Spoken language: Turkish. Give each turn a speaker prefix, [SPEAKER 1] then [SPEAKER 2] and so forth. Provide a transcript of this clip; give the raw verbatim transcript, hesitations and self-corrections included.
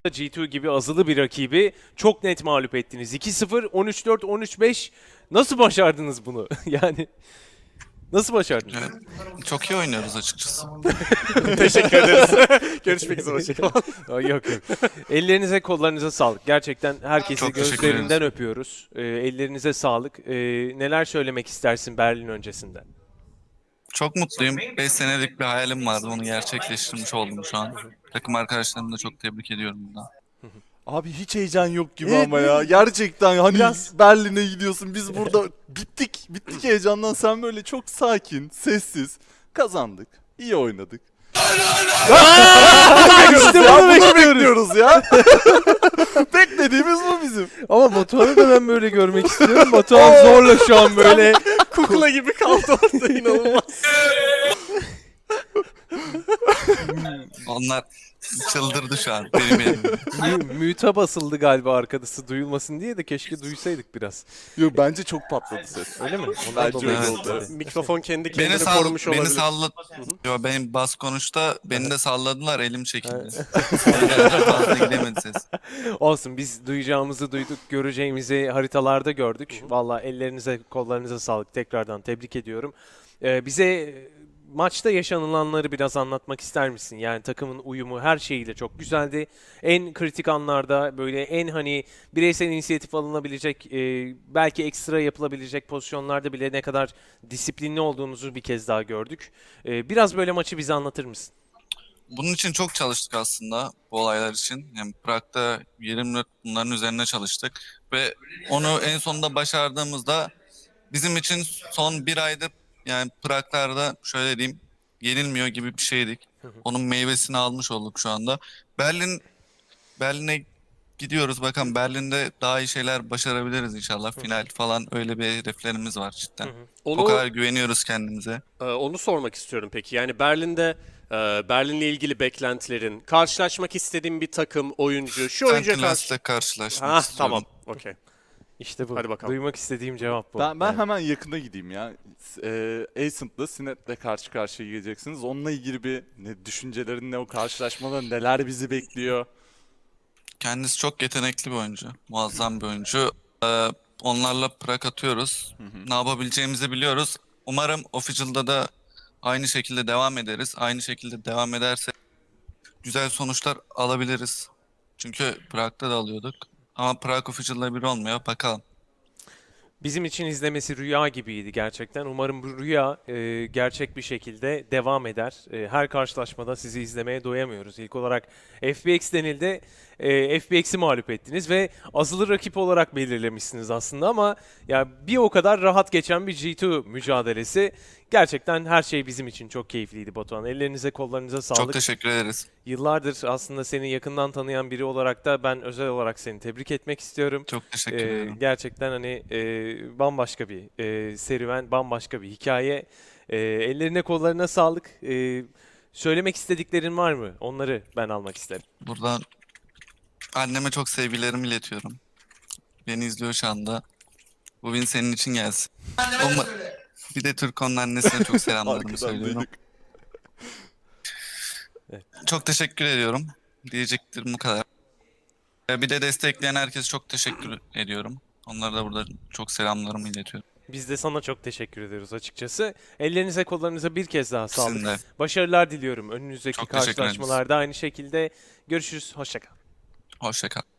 [SPEAKER 1] G iki gibi azılı bir rakibi çok net mağlup ettiniz. iki sıfır, on üç dört, on üç beş. Nasıl başardınız bunu? Yani nasıl başardınız?
[SPEAKER 2] Evet. Çok iyi oynuyoruz açıkçası.
[SPEAKER 3] Teşekkür ederiz. Görüşmek üzere. Hoşçakalın.
[SPEAKER 1] Ay, yok yok. Ellerinize kollarınıza sağlık. Gerçekten herkesi
[SPEAKER 2] Çok teşekkür
[SPEAKER 1] gözlerinden
[SPEAKER 2] ederiz.
[SPEAKER 1] öpüyoruz. Ee, ellerinize sağlık. Ee, neler söylemek istersin Berlin öncesinde?
[SPEAKER 2] Çok mutluyum. beş senelik bir hayalim vardı. Onu gerçekleştirmiş oldum şu an. Takım arkadaşlarımı da çok tebrik ediyorum buradan.
[SPEAKER 4] Abi hiç heyecan yok gibi
[SPEAKER 1] Evet,
[SPEAKER 4] ama ya. Gerçekten hani
[SPEAKER 1] Biraz-
[SPEAKER 4] Berlin'e gidiyorsun. Biz burada bittik. Bittik heyecandan. Sen böyle çok sakin, sessiz. Kazandık. İyi oynadık.
[SPEAKER 1] İşte
[SPEAKER 4] Ya
[SPEAKER 1] bunu
[SPEAKER 4] bunu
[SPEAKER 1] bekliyoruz.
[SPEAKER 4] bekliyoruz ya. Beklediğimiz bu bizim.
[SPEAKER 1] Ama Batuhan'ı da ben böyle görmek istiyorum. Batuhan zorla şu an böyle.
[SPEAKER 3] Kukla gibi kaldı orada, inanılmaz.
[SPEAKER 2] Onlar çıldırdı şu an benim yerimde.
[SPEAKER 1] Mü- Müte basıldı galiba arkadası duyulmasın diye de keşke duysaydık biraz.
[SPEAKER 4] Yok bence çok patladı ses.
[SPEAKER 1] Öyle mi? Ondan
[SPEAKER 4] Bence
[SPEAKER 1] dolayı
[SPEAKER 4] öyle
[SPEAKER 1] oldu.
[SPEAKER 4] oldu.
[SPEAKER 3] Mikrofon kendi
[SPEAKER 2] Beni,
[SPEAKER 3] kendini
[SPEAKER 2] sall
[SPEAKER 3] korumuş
[SPEAKER 2] beni
[SPEAKER 3] olabilir.
[SPEAKER 2] salladı. Yo, benim bas konuşta beni de salladılar, elim çekildi.
[SPEAKER 1] Evet.
[SPEAKER 2] Fazla gidemedi ses.
[SPEAKER 1] Olsun, biz duyacağımızı duyduk, göreceğimizi haritalarda gördük. Valla ellerinize, kollarınıza sağlık. Tekrardan tebrik ediyorum. Ee, bize maçta yaşanılanları biraz anlatmak ister misin? Yani takımın uyumu her şeyiyle çok güzeldi. En kritik anlarda böyle en hani bireysel inisiyatif alınabilecek, e, belki ekstra yapılabilecek pozisyonlarda bile ne kadar disiplinli olduğunuzu bir kez daha gördük. E, biraz böyle maçı bize anlatır mısın?
[SPEAKER 2] Bunun için çok çalıştık aslında, bu olaylar için. Yani Prag'da yirmi dört bunların üzerine çalıştık. Ve onu en sonunda başardığımızda bizim için son bir aydır, yani Prag'larda şöyle diyeyim, yenilmiyor gibi bir şeydik. Onun meyvesini almış olduk şu anda. Berlin, Berlin'e gidiyoruz. Bakalım, Berlin'de daha iyi şeyler başarabiliriz inşallah. Final falan, öyle bir hedeflerimiz var cidden.
[SPEAKER 3] Onu,
[SPEAKER 2] O kadar güveniyoruz kendimize.
[SPEAKER 3] e, onu sormak istiyorum peki. Yani Berlin'de e, Berlin'le ilgili beklentilerin, karşılaşmak istediğin bir takım, oyuncu, şu oyuncuya karşı...
[SPEAKER 2] Sentinels'le karşılaşmak
[SPEAKER 3] Ha,
[SPEAKER 2] istiyorum.
[SPEAKER 3] tamam. Okey.
[SPEAKER 1] İşte bu.
[SPEAKER 3] Hadi bakalım.
[SPEAKER 1] Duymak istediğim cevap bu.
[SPEAKER 4] Ben, ben
[SPEAKER 1] Yani.
[SPEAKER 4] hemen yakına gideyim ya. Ee, Ascent'la Sinet'le karşı karşıya geleceksiniz. Onunla ilgili bir ne, düşüncelerin ne, o karşılaşmada neler bizi bekliyor?
[SPEAKER 2] Kendisi çok yetenekli bir oyuncu. Muazzam bir oyuncu. Ee, onlarla prak atıyoruz. Ne yapabileceğimizi biliyoruz. Umarım Official'da da aynı şekilde devam ederiz. Aynı şekilde devam ederse güzel sonuçlar alabiliriz. Çünkü Prag'da da alıyorduk. Ama Prag Official'la bir olmuyor. Bakalım.
[SPEAKER 1] Bizim için izlemesi rüya gibiydi gerçekten. Umarım bu rüya e, gerçek bir şekilde devam eder. E, her karşılaşmada sizi izlemeye doyamıyoruz. İlk olarak F B X denildi. E, F B X'i mağlup ettiniz ve azılı rakip olarak belirlemişsiniz aslında ama ya bir o kadar rahat geçen bir G iki mücadelesi. Gerçekten her şey bizim için çok keyifliydi Batuhan. Ellerinize kollarınıza sağlık.
[SPEAKER 2] Çok teşekkür ederiz.
[SPEAKER 1] Yıllardır aslında seni yakından tanıyan biri olarak da ben özel olarak seni tebrik etmek istiyorum.
[SPEAKER 2] Çok teşekkür
[SPEAKER 1] Ee,
[SPEAKER 2] ederim.
[SPEAKER 1] gerçekten hani e, bambaşka bir e, serüven, bambaşka bir hikaye. E, ellerine kollarına sağlık. E, söylemek istediklerin var mı? Onları ben almak isterim.
[SPEAKER 2] Buradan anneme çok sevgilerimi iletiyorum. Beni izliyor şu anda. Bu win senin için gelsin. Uma- Bir de Türkon'un annesine çok selamlarımı
[SPEAKER 4] Arkadan
[SPEAKER 2] söylüyorum.
[SPEAKER 4] duyduk.
[SPEAKER 2] Çok teşekkür ediyorum. Diyeceklerim bu kadar. Ee, Bir de destekleyen herkese çok teşekkür ediyorum. Onlara da burada çok selamlarımı iletiyorum.
[SPEAKER 1] Biz de sana çok teşekkür ediyoruz açıkçası. Ellerinize kollarınıza bir kez daha sağlık.
[SPEAKER 2] Sizin de.
[SPEAKER 1] Başarılar diliyorum önünüzdeki
[SPEAKER 2] Çok teşekkür ederiz.
[SPEAKER 1] karşılaşmalarda aynı şekilde. Görüşürüz. Hoşça kal.
[SPEAKER 2] Hoşça kal.